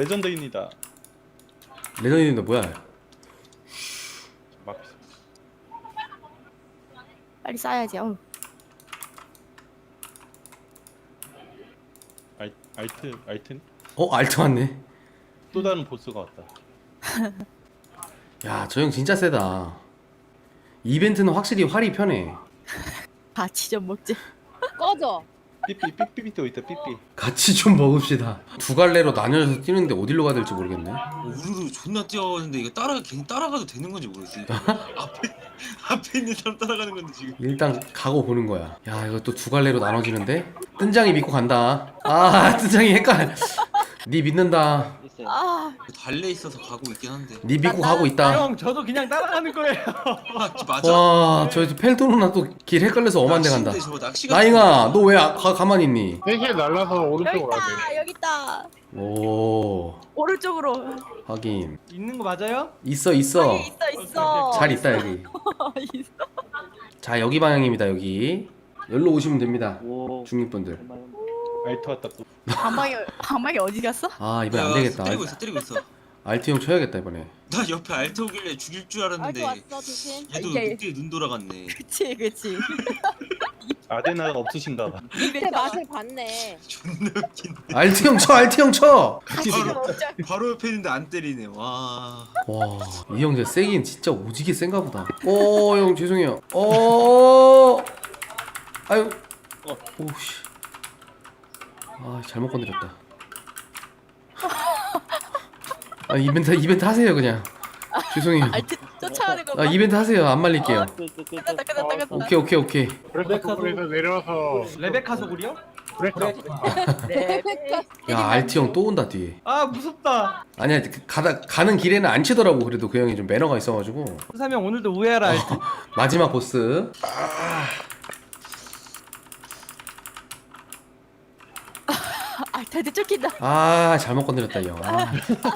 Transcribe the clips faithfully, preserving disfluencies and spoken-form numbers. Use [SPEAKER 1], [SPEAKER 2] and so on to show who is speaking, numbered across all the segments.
[SPEAKER 1] 레전드입니다.
[SPEAKER 2] 레전드인데 뭐야?
[SPEAKER 1] 막
[SPEAKER 3] 빨리 싸야지. 어우.
[SPEAKER 1] 알, 알트 알트
[SPEAKER 2] 어 알트 왔네.
[SPEAKER 1] 또 다른 보스가 왔다.
[SPEAKER 2] 야 저 형 진짜 세다. 이벤트는 확실히 활이 편해.
[SPEAKER 3] 같이 좀 먹지.
[SPEAKER 4] 꺼져.
[SPEAKER 1] 삐삐 삐삐삐 또 있다 삐삐.
[SPEAKER 2] 같이 좀 먹읍시다. 두 갈래로 나뉘어서 뛰는데 어디로 가야 될지 모르겠네.
[SPEAKER 5] 우르르 존나 뛰어가는데 이거 따라 괜히 따라가도 되는 건지 모르겠어. 앞에 앞에 있는 사람 따라가는 건데 지금.
[SPEAKER 2] 일단 가고 보는 거야. 야 이거 또 두 갈래로 나눠지는데? 뜬장이 믿고 간다. 아 뜬장이 헷갈려. 니 믿는다.
[SPEAKER 3] 아,
[SPEAKER 5] 달래 있어서 가고 있긴 한데.
[SPEAKER 2] 니 믿고 가고 있다.
[SPEAKER 6] 형 저도 그냥 따라가는 거예요.
[SPEAKER 5] 아 맞아.
[SPEAKER 2] 와저 펠토로나 또 길 헷갈려서 엄한 데 간다.
[SPEAKER 5] 낚시인데 저거 낚시
[SPEAKER 2] 나잉아 너 왜 가만히 있니?
[SPEAKER 7] 셋이 날라서
[SPEAKER 3] 여기
[SPEAKER 7] 오른쪽으로 가야 돼.
[SPEAKER 3] 있다. 여기 있다.
[SPEAKER 2] 오
[SPEAKER 3] 오른쪽으로.
[SPEAKER 2] 확인.
[SPEAKER 6] 있는 거 맞아요?
[SPEAKER 2] 있어 있어.
[SPEAKER 3] 여기 있어 있어.
[SPEAKER 2] 잘 있다 여기.
[SPEAKER 3] 있어.
[SPEAKER 2] 자 여기 방향입니다. 여기 여기로 오시면 됩니다.
[SPEAKER 8] 오.
[SPEAKER 2] 중립분들.
[SPEAKER 1] 알트 왔다 또.
[SPEAKER 3] 방망이 방망이 어디 갔어?
[SPEAKER 2] 아 이번에 안 되겠다.
[SPEAKER 5] 때리고 있어 때리고 있어.
[SPEAKER 2] 알트 형 쳐야겠다 이번에.
[SPEAKER 5] 나 옆에 알트 오길래 죽일 줄 알았는데
[SPEAKER 4] 알고 왔어 조심.
[SPEAKER 5] 얘도
[SPEAKER 3] 이게-
[SPEAKER 5] 늑대에 눈 돌아갔네.
[SPEAKER 3] 그치 그치.
[SPEAKER 1] 아데나가 없으신가 봐.
[SPEAKER 4] 밑에 맛을 봤네.
[SPEAKER 5] 존나 웃긴.
[SPEAKER 2] 알트 형 쳐. 알트 형 쳐.
[SPEAKER 3] 같이 좀 먹자.
[SPEAKER 5] 바로 옆에 있는데 안 때리네. 와.
[SPEAKER 2] 와이 형 진짜 세긴 진짜 오지게 센가 보다. 오 형 죄송해요. 오 아유
[SPEAKER 1] 어.
[SPEAKER 2] 오씨. 아 잘못 건드렸다. 아 이벤트 이벤트 하세요 그냥. 죄송해요.
[SPEAKER 3] 알트 쫓아가는 거 봐.
[SPEAKER 2] 아 이벤트 하세요. 안 말릴게요.
[SPEAKER 3] 끝났다 끝났다 끝났다.
[SPEAKER 2] 오케이 오케이 오케이.
[SPEAKER 7] 그래서 거기서 내려와서
[SPEAKER 6] 레베카 소굴이요?
[SPEAKER 7] 그랬어.
[SPEAKER 3] 네.
[SPEAKER 2] 야 알트 형 또 온다 뒤에.
[SPEAKER 6] 아 무섭다.
[SPEAKER 2] 아니야 그 가다 가는 길에는 안 치더라고. 그래도 그 형이 좀 매너가 있어가지고.
[SPEAKER 6] 수사명 오늘도 우회하라. 알트.
[SPEAKER 2] 마지막 보스.
[SPEAKER 3] 알트한테 쫓긴다.
[SPEAKER 2] 아 잘못 건드렸다 이 형. 아.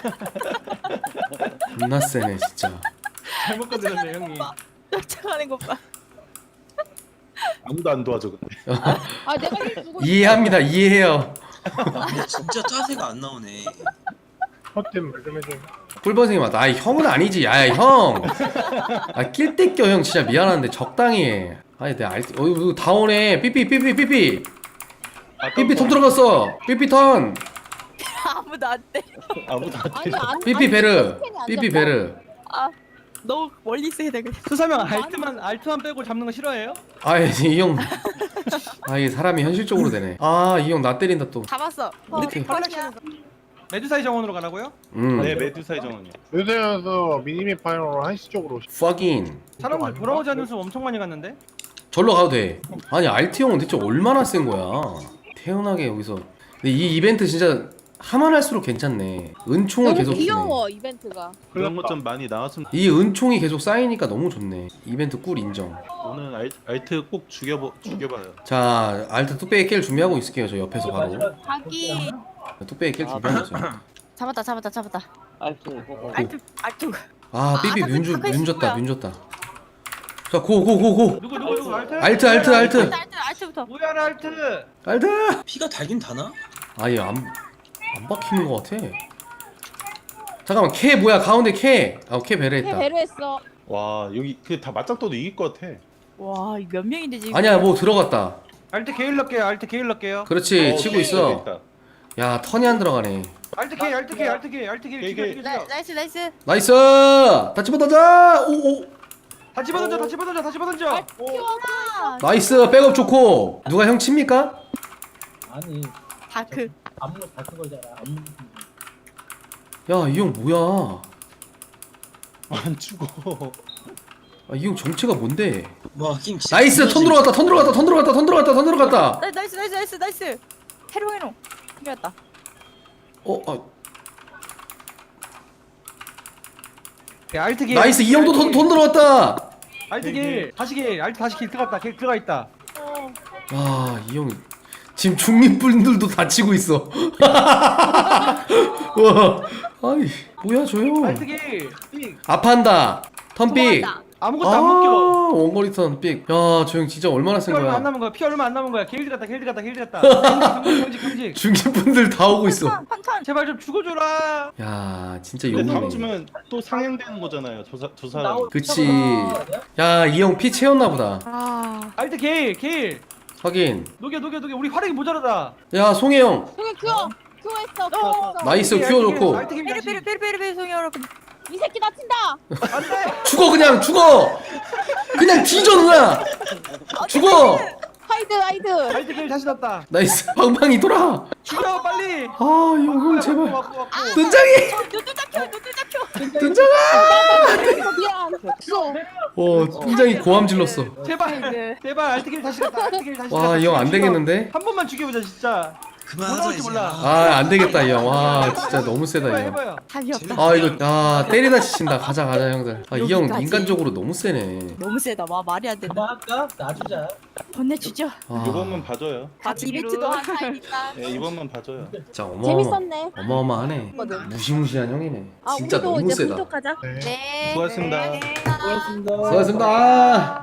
[SPEAKER 2] 존나 세네 진짜.
[SPEAKER 6] 잘못 건드렸네 형님.
[SPEAKER 3] 쫓아가는 것 봐.
[SPEAKER 1] 아무도 안 도와줘 근데.
[SPEAKER 4] 아 내가 힐 주고
[SPEAKER 2] 이해합니다. 이해해요.
[SPEAKER 5] 근데 진짜 짜세가 안 나오네.
[SPEAKER 7] 헛된 말좀 해줘.
[SPEAKER 2] 꿀버생이 맞다. 아 형은 아니지. 야 형. 아낄 때 껴 형 진짜 미안한데 적당히 해. 아니 내가 알. 어 이거 다 오네. 삐삐 삐삐 삐삐. 삐삐 턴 들어갔어. 삐삐 턴.
[SPEAKER 3] 아무도 안 돼.
[SPEAKER 1] 아무도 안
[SPEAKER 4] 아니
[SPEAKER 1] 돼.
[SPEAKER 4] 안
[SPEAKER 2] 삐삐 베르.
[SPEAKER 4] 스캔이 안
[SPEAKER 2] 삐삐
[SPEAKER 4] 잡혀?
[SPEAKER 2] 베르.
[SPEAKER 3] 아 너무 멀리 있어야 돼. 그래.
[SPEAKER 6] 수사명 알트만 알트만 빼고 잡는 거 싫어해요?
[SPEAKER 2] 아이 형. 아 이게 사람이 현실적으로 되네. 아 이 형 나 때린다 또.
[SPEAKER 3] 잡았어.
[SPEAKER 2] 이렇게.
[SPEAKER 3] 컬렉션.
[SPEAKER 6] 메두사의 정원으로 가라고요?
[SPEAKER 2] 음.
[SPEAKER 1] 네 메두사의 정원이요.
[SPEAKER 7] 요새여서 미니맵 파이널로 한시 쪽으로 오시.
[SPEAKER 2] fucking.
[SPEAKER 6] 사람들 돌아오지 않는 수 엄청 많이 갔는데.
[SPEAKER 2] 절로 가도 돼. 아니 알트 형은 대체 얼마나 센 거야. 태연하게 여기서. 근데 이 이벤트 진짜 하면 할수록 괜찮네. 은총을
[SPEAKER 4] 너무
[SPEAKER 2] 계속 주네.
[SPEAKER 4] 귀여워 이벤트가.
[SPEAKER 1] 그런 것 좀 많이 나왔으면.
[SPEAKER 2] 이 은총이 계속 쌓이니까 너무 좋네. 이벤트 꿀 인정.
[SPEAKER 1] 오늘 알, 알트 꼭 죽여보 죽여봐요.
[SPEAKER 2] 자 알트 뚝배기 깰 준비하고 있을게요. 저 옆에서 바로
[SPEAKER 3] 자기
[SPEAKER 2] 뚝배기 깰 준비하고 있어요.
[SPEAKER 3] 잡았다 잡았다 잡았다.
[SPEAKER 8] 알트.
[SPEAKER 3] 알트 알트.
[SPEAKER 2] 아 삐삐
[SPEAKER 3] 아,
[SPEAKER 2] 뮤 줬-
[SPEAKER 3] 탑에
[SPEAKER 2] 뮤 줬다
[SPEAKER 3] 뭐야?
[SPEAKER 2] 뮤 줬다. 자 고 고 고고
[SPEAKER 6] 누구 누구 누구 알트?
[SPEAKER 2] 알트 알트 알트
[SPEAKER 3] 알트 알트 알트부터.
[SPEAKER 6] 우회하라 알트.
[SPEAKER 2] 알트.
[SPEAKER 5] 피가 달긴 다나?
[SPEAKER 2] 아예 안안 박히는 것 같아. 잠깐만 캐 뭐야 가운데 캐. 아캐
[SPEAKER 4] 해
[SPEAKER 2] 배려했다.
[SPEAKER 4] 배려했어.
[SPEAKER 1] 와 여기 그 다 맞짱떠도 이길 것 같아.
[SPEAKER 3] 와, 이거 몇 명인데 지금?
[SPEAKER 2] 아니야 뭐 들어갔다.
[SPEAKER 6] 알트 게일 넣게요. 알트 게일 넣게요.
[SPEAKER 2] 그렇지
[SPEAKER 1] 어,
[SPEAKER 2] 치고
[SPEAKER 1] 오케이,
[SPEAKER 2] 있어.
[SPEAKER 1] 됐다.
[SPEAKER 2] 야 턴이 안 들어가네.
[SPEAKER 6] 알트 게일 알트 게일 알트 게일 알트 게일
[SPEAKER 1] 게일,
[SPEAKER 6] 죽여
[SPEAKER 1] 게일.
[SPEAKER 6] 죽여
[SPEAKER 3] 나,
[SPEAKER 6] 죽여.
[SPEAKER 3] 나이스 나이스.
[SPEAKER 2] 나이스. 다 집어던져. 오오.
[SPEAKER 6] 다 집어던져 다 집어던져 다 집어던져.
[SPEAKER 3] 키워라.
[SPEAKER 2] 나이스 백업 좋고. 누가 형 칩니까?
[SPEAKER 8] 아니
[SPEAKER 3] 다크.
[SPEAKER 8] 안무 다큰 거잖아. 안무.
[SPEAKER 2] 야 이 형 뭐야?
[SPEAKER 1] 안 죽어.
[SPEAKER 2] 아, 이 형 정체가 뭔데?
[SPEAKER 5] 와힘 진짜.
[SPEAKER 2] 나이스 턴 들어갔다 턴 들어갔다 턴 들어갔다 턴 들어갔다 턴 들어갔다.
[SPEAKER 3] 나, 나이스 나이스 나이스 나이스. 해롱 해롱. 이겼다.
[SPEAKER 2] 어, 아,
[SPEAKER 6] 알트 게일.
[SPEAKER 2] 나이스 이 형도 돈, 돈 들어갔다.
[SPEAKER 6] 알트 게일 다시 게일 알트 다시 게일 들어갔다. 게일 들어가 있다.
[SPEAKER 2] 아, 이 형 지금 중립분들도 다치고 있어. 와, 아이 뭐야 저 형?
[SPEAKER 6] 알트 게일. 삑.
[SPEAKER 2] 아파한다. 턴픽.
[SPEAKER 3] 도망간다.
[SPEAKER 6] 아무것도 안 묶여.
[SPEAKER 2] 원거리선 삑. 야, 저 형 진짜 얼마나
[SPEAKER 6] 피
[SPEAKER 2] 센
[SPEAKER 6] 얼마 안
[SPEAKER 2] 거야.
[SPEAKER 6] 남은 거야. 피 얼마 안 남은 거야. 게일드 갔다 게일드 갔다 게일드 갔다. 경직 경직 경직.
[SPEAKER 2] 중진 분들 다 오고 있어.
[SPEAKER 3] 판탄 판탄.
[SPEAKER 6] 제발 좀 죽어줘라.
[SPEAKER 2] 야, 진짜
[SPEAKER 1] 근데 다음
[SPEAKER 2] 용이네.
[SPEAKER 1] 주면 또 상향되는 거잖아요. 저, 사, 저 사람.
[SPEAKER 8] 나오-
[SPEAKER 2] 그치.
[SPEAKER 8] 나오나?
[SPEAKER 2] 야, 이 형 피 채웠나 보다.
[SPEAKER 3] 아
[SPEAKER 6] 알트 게일 게일.
[SPEAKER 2] 확인.
[SPEAKER 6] 녹여 녹여 녹여. 우리 화력이 모자라다.
[SPEAKER 2] 야, 송혜 형.
[SPEAKER 4] 형이 큐어 큐어 했어 큐어 했어.
[SPEAKER 2] 나이스,
[SPEAKER 6] 알트
[SPEAKER 2] 큐어
[SPEAKER 6] 게일,
[SPEAKER 2] 좋고.
[SPEAKER 6] 알트 게일
[SPEAKER 3] 베리
[SPEAKER 6] 다시.
[SPEAKER 3] 베리 베리 베리 베리 송이 여러분.
[SPEAKER 4] 이 새끼 다친다.
[SPEAKER 6] 안돼.
[SPEAKER 2] 죽어, 그냥 죽어. 그냥 뒤져, 누나. 죽어.
[SPEAKER 4] 하이드 하이드.
[SPEAKER 6] 알트 게일 다시 났다.
[SPEAKER 2] 나이스. 방방이 돌아.
[SPEAKER 6] 죽여 빨리.
[SPEAKER 2] 아, 형, 형, 제발.
[SPEAKER 6] 왔고, 왔고.
[SPEAKER 2] 뜬장이.
[SPEAKER 3] 눈들 잡혀 눈들 잡혀.
[SPEAKER 2] 뜬장아.
[SPEAKER 4] 미안. 없어.
[SPEAKER 2] 어, 뜬장이 고함 질렀어.
[SPEAKER 6] 제발 제발 알트 게일 다시 갔다. 알트 게일 다시
[SPEAKER 2] 와,
[SPEAKER 6] 갔다.
[SPEAKER 2] 이 형 안
[SPEAKER 6] 죽여.
[SPEAKER 2] 되겠는데?
[SPEAKER 6] 한 번만 죽여보자 진짜.
[SPEAKER 5] 그만하자
[SPEAKER 6] 올라올지
[SPEAKER 5] 이제.
[SPEAKER 6] 몰라.
[SPEAKER 5] 아,
[SPEAKER 2] 아, 안 되겠다, 이 형. 와, 진짜 너무 세다,
[SPEAKER 6] 해봐요
[SPEAKER 2] 이 형.
[SPEAKER 6] 해봐요.
[SPEAKER 3] 답이 없다.
[SPEAKER 2] 아, 이거, 아, 때리다 지친다. 가자, 가자, 형들. 아, 이 형
[SPEAKER 3] 여기까지.
[SPEAKER 2] 인간적으로 너무 세네.
[SPEAKER 3] 너무 세다. 와 말이 안 된다.
[SPEAKER 8] 그만할까? 놔주자.
[SPEAKER 3] 건네주죠.
[SPEAKER 2] 아,
[SPEAKER 1] 이번만 봐줘요.
[SPEAKER 3] 같이 이벤트도 한 사이니까.
[SPEAKER 1] 예, 이번만 봐줘요.
[SPEAKER 2] 진짜 어마어마.
[SPEAKER 4] 재밌었네.
[SPEAKER 2] 어마어마하네.
[SPEAKER 4] 거든.
[SPEAKER 2] 무시무시한 형이네.
[SPEAKER 4] 아
[SPEAKER 2] 진짜
[SPEAKER 4] 우리도
[SPEAKER 2] 너무
[SPEAKER 4] 이제
[SPEAKER 2] 세다.
[SPEAKER 4] 분석하자.
[SPEAKER 7] 네.
[SPEAKER 4] 네.
[SPEAKER 1] 수고하셨습니다.
[SPEAKER 8] 수고하셨습니다.
[SPEAKER 2] 수고하셨습니다.